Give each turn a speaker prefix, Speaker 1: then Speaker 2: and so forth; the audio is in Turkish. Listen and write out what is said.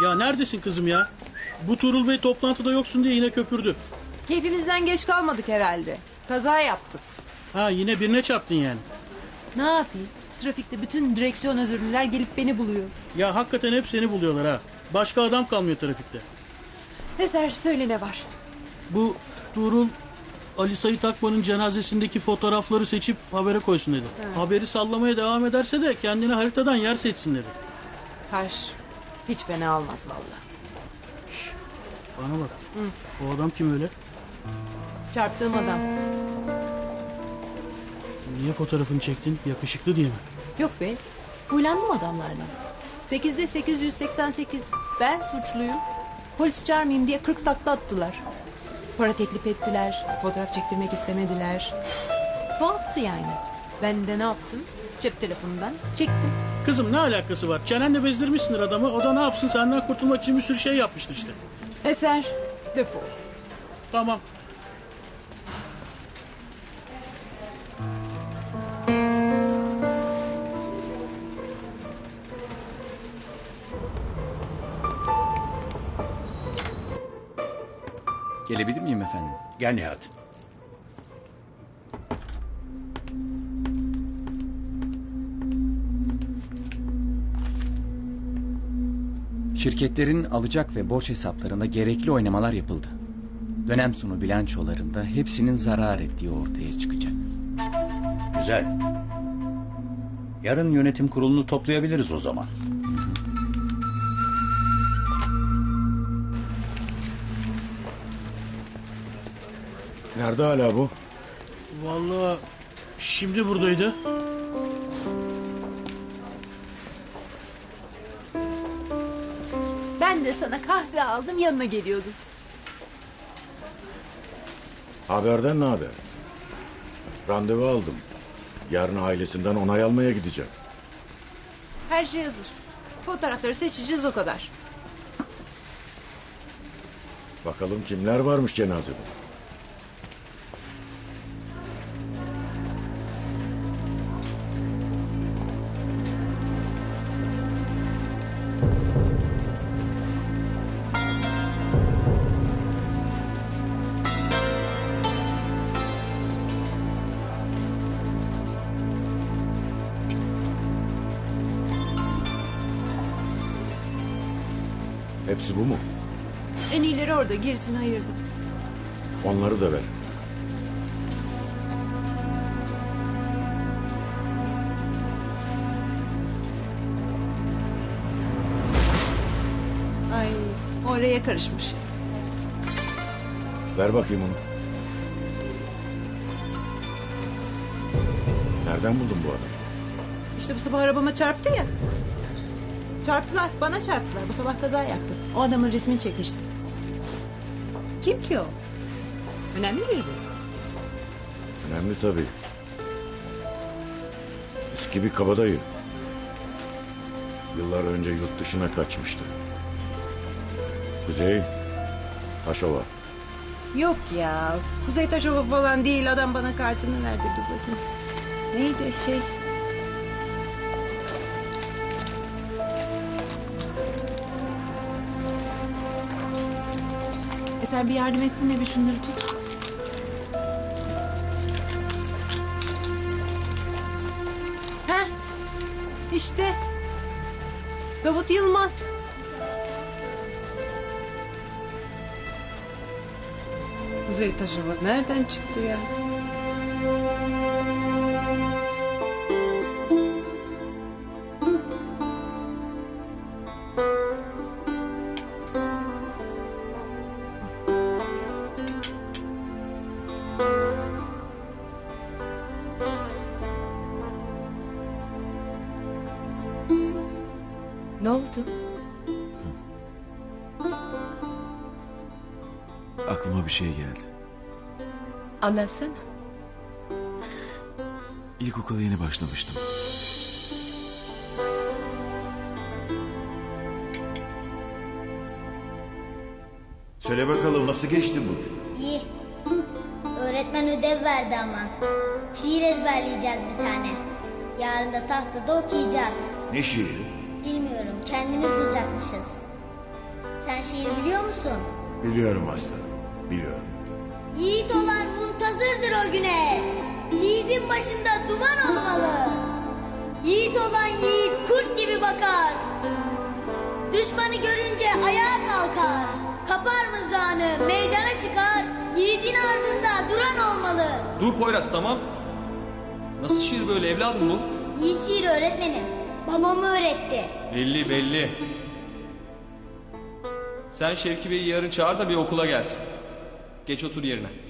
Speaker 1: Ya neredesin kızım ya? Bu Tuğrul Bey toplantıda yoksun diye yine köpürdü.
Speaker 2: Keyfimizden geç kalmadık herhalde. Kaza yaptık.
Speaker 1: Ha yine birine çarptın yani.
Speaker 2: Ne yapayım? Trafikte bütün direksiyon özürlüler gelip beni buluyor.
Speaker 1: Ya hakikaten hep seni buluyorlar ha. Başka adam kalmıyor trafikte.
Speaker 2: Eser söyle ne var?
Speaker 1: Bu Tuğrul Ali Sait Akman'ın cenazesindeki fotoğrafları seçip habere koysun dedi.
Speaker 2: Ha.
Speaker 1: Haberi sallamaya devam ederse de kendine haritadan yer seçsin dedi.
Speaker 2: Taş. Hiç fena olmaz vallahi.
Speaker 1: Bana bak.
Speaker 2: Hı.
Speaker 1: O adam kim öyle?
Speaker 2: Çarptığım adam.
Speaker 1: Niye fotoğrafını çektin? Yakışıklı diye mi?
Speaker 2: Yok be. Huylandım adamlardan. 8'de 888. Ben suçluyum. Polis çağırmayayım diye 40 takla attılar. Para teklif ettiler. Fotoğraf çektirmek istemediler. Tuhaftı yani. Ben de ne yaptım? Cep telefonundan çektim.
Speaker 1: Kızım ne alakası var? Çenenle bezdirmişsindir adamı. O da ne yapsın, senden kurtulmak için bir sürü şey yapmıştır işte.
Speaker 2: Eser defol.
Speaker 1: Tamam.
Speaker 3: Gelebilir miyim efendim?
Speaker 4: Gel Nihat.
Speaker 3: Şirketlerin alacak ve borç hesaplarında gerekli oynamalar yapıldı. Dönem sonu bilançolarında hepsinin zarar ettiği ortaya çıkacak.
Speaker 4: Güzel. Yarın yönetim kurulunu toplayabiliriz o zaman.
Speaker 5: Nerede hala bu?
Speaker 1: Vallahi şimdi buradaydı.
Speaker 2: Ben de sana kahve aldım yanına geliyordum.
Speaker 5: Haberden ne haber? Randevu aldım. Yarın ailesinden onay almaya gidecek.
Speaker 2: Her şey hazır. Fotoğrafları seçeceğiz o kadar.
Speaker 5: Bakalım kimler varmış cenazede. Hepsi bu mu?
Speaker 2: En iyileri orada gerisini ayırdım.
Speaker 5: Onları da ver.
Speaker 2: Ay oraya karışmış.
Speaker 5: Ver bakayım onu. Nereden buldun bu adamı?
Speaker 2: İşte bu sabah arabama çarptı ya. Çarptılar bana çarptılar. Bu sabah kaza yaptı. O adamın resmini çekmiştim. Kim ki o? Önemli biri mi?
Speaker 5: Önemli tabii. Eski bir kabadayı. Yıllar önce yurt dışına kaçmıştı. Kuzey Taşova.
Speaker 2: Yok ya. Kuzey Taşova falan değil. Adam bana kartını verdi. Dur bakayım. Neydi şey? Eser bir yardım etsene bir şunları tut. Heh. İşte. Davut Yılmaz. Kuzey Taşova nereden çıktı ya? Ne oldu?
Speaker 6: Aklıma bir şey geldi.
Speaker 2: Anlatsana.
Speaker 6: İlkokula yeni başlamıştım.
Speaker 7: Söyle bakalım nasıl geçti bugün?
Speaker 8: İyi. Öğretmen ödev verdi ama. Şiir ezberleyeceğiz bir tane. Yarın da tahtada okuyacağız.
Speaker 7: Ne şiiri?
Speaker 8: Bilmiyorum, kendimiz bulacakmışız. Sen şiir biliyor musun?
Speaker 5: Biliyorum aslanım, biliyorum.
Speaker 8: Yiğit olan muntazırdır o güne. Yiğidin başında duman olmalı. Yiğit olan yiğit kurt gibi bakar. Düşmanı görünce ayağa kalkar. Kapar mızrağını meydana çıkar. Yiğidin ardında duran olmalı.
Speaker 9: Dur Poyraz, tamam. Nasıl şiir böyle evladım bu?
Speaker 8: Yiğit şiiri öğretmenim. Babam öğretti.
Speaker 9: Belli belli. Sen Şevki Bey'i yarın çağır da bir okula gelsin. Geç otur yerine.